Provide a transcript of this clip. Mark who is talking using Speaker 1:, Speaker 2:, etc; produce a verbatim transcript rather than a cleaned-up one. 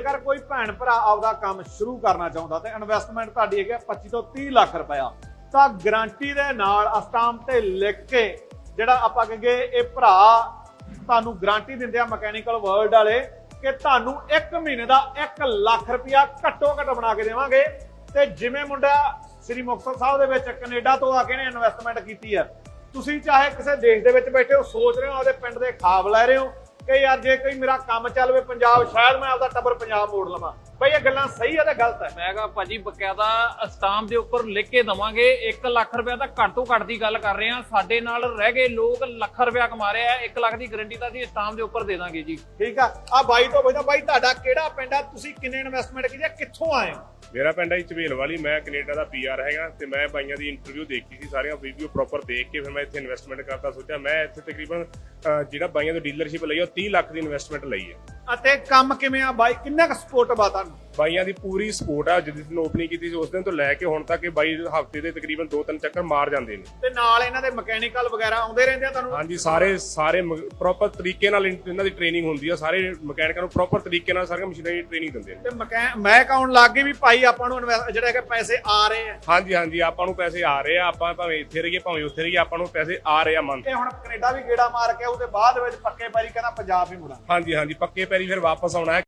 Speaker 1: ਜੇਕਰ ਕੋਈ ਭੈਣ ਭਰਾ ਆਪਦਾ ਕੰਮ ਸ਼ੁਰੂ ਕਰਨਾ ਚਾਹੁੰਦਾ ਤੇ ਇਨਵੈਸਟਮੈਂਟ ਤੁਹਾਡੀ ਹੈਗੀ ਪੱਚੀ ਤੋਂ ਤੀਹ ਲੱਖ ਰੁਪਇਆ, ਤਾਂ ਗਰੰਟੀ ਦੇ ਨਾਲ ਸਟਾਂਪ ਤੇ ਲਿਖ ਕੇ ਜਿਹੜਾ ਆਪਾਂ ਕਹੀਏ ਇਹ ਭਰਾ ਤੁਹਾਨੂੰ ਗਰੰਟੀ ਦਿੰਦੇ ਆ ਮਕੈਨੀਕਲ ਵਰਲਡ ਵਾਲੇ ਕਿ ਤੁਹਾਨੂੰ ਇੱਕ ਮਹੀਨੇ ਦਾ ਇੱਕ ਲੱਖ ਰੁਪਇਆ ਘੱਟੋ ਘੱਟ ਬਣਾ ਕੇ ਦੇਵਾਂਗੇ। ਤੇ ਜਿਵੇਂ ਮੁੰਡਾ ਸ੍ਰੀ ਮੁਕਤਸਰ ਸਾਹਿਬ ਦੇ ਵਿੱਚ ਕੈਨੇਡਾ ਤੋਂ ਆ ਕੇ ਨੇ ਇਨਵੈਸਟਮੈਂਟ ਕੀਤੀ ਆ, ਤੁਸੀਂ ਚਾਹੇ ਕਿਸੇ ਦੇਸ਼ ਦੇ ਵਿੱਚ ਬੈਠੇ ਹੋ ਸੋਚ ਰਹੇ ਹੋ ਆਪਦੇ ਪਿੰਡ ਦੇ ਖਾਬ ਲੈ ਰਹੇ ਹੋ ਕਿ ਯਾਰ ਜੇ ਕੋਈ ਮੇਰਾ ਕੰਮ ਚੱਲ ਵੇ ਪੰਜਾਬ, ਸ਼ਾਇਦ ਮੈਂ ਆਪਦਾ ਟੱਬਰ ਪੰਜਾਬ ਮੋੜ ਲਵਾਂ, ਬਈ ਇਹ ਗੱਲਾਂ ਸਹੀ ਆ ਤੇ ਗਲਤ ਹੈ?
Speaker 2: ਮੈਂ ਕਿਹਾ ਭਾਜੀ ਬਕਾਇਦਾ ਸਟਾਂਪ ਦੇ ਉੱਪਰ ਲਿਖ ਕੇ ਦਵਾਂਗੇ। ਇੱਕ ਲੱਖ ਰੁਪਇਆ ਤਾਂ ਘੱਟ ਤੋਂ ਘੱਟ ਦੀ ਗੱਲ ਕਰ ਰਹੇ ਆ। ਸਾਡੇ ਨਾਲ ਰਹਿ ਗਏ ਲੋਕ ਲੱਖ ਰੁਪਇਆ ਕਮਾ ਰਹੇ ਆ, ਇੱਕ ਲੱਖ ਦੀ ਗਾਰੰਟੀ ਤਾਂ ਅਸੀਂ ਸਟਾਂਪ ਦੇ ਉੱਪਰ ਦੇ ਦਾਂਗੇ ਜੀ।
Speaker 1: ਠੀਕ ਆ। ਆ ਬਾਈ ਤੋਂ ਪੁੱਛਦਾ, ਬਾਈ ਤੁਹਾਡਾ ਕਿਹੜਾ ਪਿੰਡ ਆ, ਤੁਸੀਂ ਕਿੰਨੇ ਇਨਵੈਸਟਮੈਂਟ ਕੀਤੀ ਆ, ਕਿੱਥੋਂ ਆਏ ਹੋ?
Speaker 3: ਮੇਰਾ ਪਿੰਡ ਹੈ ਝਵੇਲ ਵਾਲੀ, ਮੈਂ ਕੈਨੇਡਾ ਦਾ ਪੀ ਆਰ ਹੈਗਾ ਤੇ ਮੈਂ ਬਾਈਆਂ ਦੀ ਇੰਟਰਵਿਊ ਦੇਖੀ ਸੀ, ਸਾਰੀਆਂ ਵੀਡੀਓ ਪ੍ਰੋਪਰ ਦੇਖ ਕੇ ਫਿਰ ਮੈਂ ਇੱਥੇ ਇਨਵੈਸਟਮੈਂਟ ਕਰਦਾ ਸੋਚਿਆ। ਮੈਂ ਇੱਥੇ ਤਕਰੀਬਨ ਜਿਹੜਾ ਬਾਈਆਂ ਤੋਂ ਡੀਲਰਸ਼ਿਪ ਲਈ ਉਹ ਤੀਹ ਲੱਖ ਦੀ ਇਨਵੈਸਟਮੈਂਟ ਲਈ ਹੈ।
Speaker 1: ਅਤੇ ਕੰਮ ਕਿਵੇਂ ਆ ਬਾਈ, ਕਿੰਨਾ ਕੁ ਸਪੋਰਟ ਬਾ ਤੁਹਾਨੂੰ?
Speaker 3: ਬਾਈਆਂ ਦੀ ਪੂਰੀ ਸਪੋਰਟ ਆ। ਜਿਸ ਦਿਨ ਓਪਨਿੰਗ ਕੀਤੀ ਸੀ ਉਸ ਦਿਨ ਤੋਂ ਲੈ ਕੇ ਹੁਣ ਤੱਕ ਇਹ ਬਾਈ ਹਫਤੇ ਦੇ ਤਕਰੀਬਨ ਦੋ ਤਿੰਨ ਚੱਕਰ ਮਾਰ ਜਾਂਦੇ ਨੇ।
Speaker 1: ਤੇ ਨਾਲ ਇਹਨਾਂ ਦੇ ਮਕੈਨੀਕਲ ਵਗੈਰਾ ਆਉਂਦੇ ਰਹਿੰਦੇ ਆ ਤੁਹਾਨੂੰ?
Speaker 3: ਹਾਂਜੀ, ਸਾਰੇ ਸਾਰੇ ਪ੍ਰੋਪਰ ਤਰੀਕੇ ਨਾਲ ਇਹਨਾਂ ਦੀ ਟ੍ਰੇਨਿੰਗ ਹੁੰਦੀ ਆ। ਸਾਰੇ ਮਕੈਨਿਕਾਂ ਨੂੰ ਪ੍ਰੋਪਰ ਤਰੀਕੇ ਨਾਲ ਸਾਰੀਆਂ ਮਸ਼ੀਨਾਂ ਦੀ ਟ੍ਰੇਨਿੰਗ ਦਿੰਦੇ ਨੇ।
Speaker 1: ਤੇ ਮਕੈ ਮੈਂ ਕਹਾਉਣ ਲੱਗ ਗਈ ਵੀ ਭਾਈ ਆਪਾਂ ਨੂੰ ਜਿਹੜੇ ਕਿ ਪੈਸੇ ਆ ਰਹੇ ਆ।
Speaker 3: ਹਾਂਜੀ ਹਾਂਜੀ, ਆਪਾਂ ਨੂੰ ਪੈਸੇ ਆ ਰਹੇ ਆ। ਆਪਾਂ ਭਾਵੇਂ ਇੱਥੇ ਰਹੀਏ ਭਾਵੇਂ ਉੱਥੇ ਰਹੀਏ, ਆਪਾਂ ਨੂੰ ਪੈਸੇ ਆ ਰਹੇ ਆ ਮੰਨ।
Speaker 1: ਤੇ ਹੁਣ ਕੈਨੇਡਾ ਵੀ ਗੇੜਾ ਮਾਰ ਕੇ ਉਹਦੇ ਬਾਅਦ ਵਿੱਚ ਪੱਕੇ ਪੈਰੀ ਕਹਿੰਦਾ ਪੰਜਾਬ ਵੀ ਮੁੜਾਂ।
Speaker 3: ਹਾਂਜੀ ਹਾਂਜੀ, ਪੱਕੇ ਪੈਰੀ ਫਿਰ ਵਾਪਸ ਆਉਣਾ ਹੈ।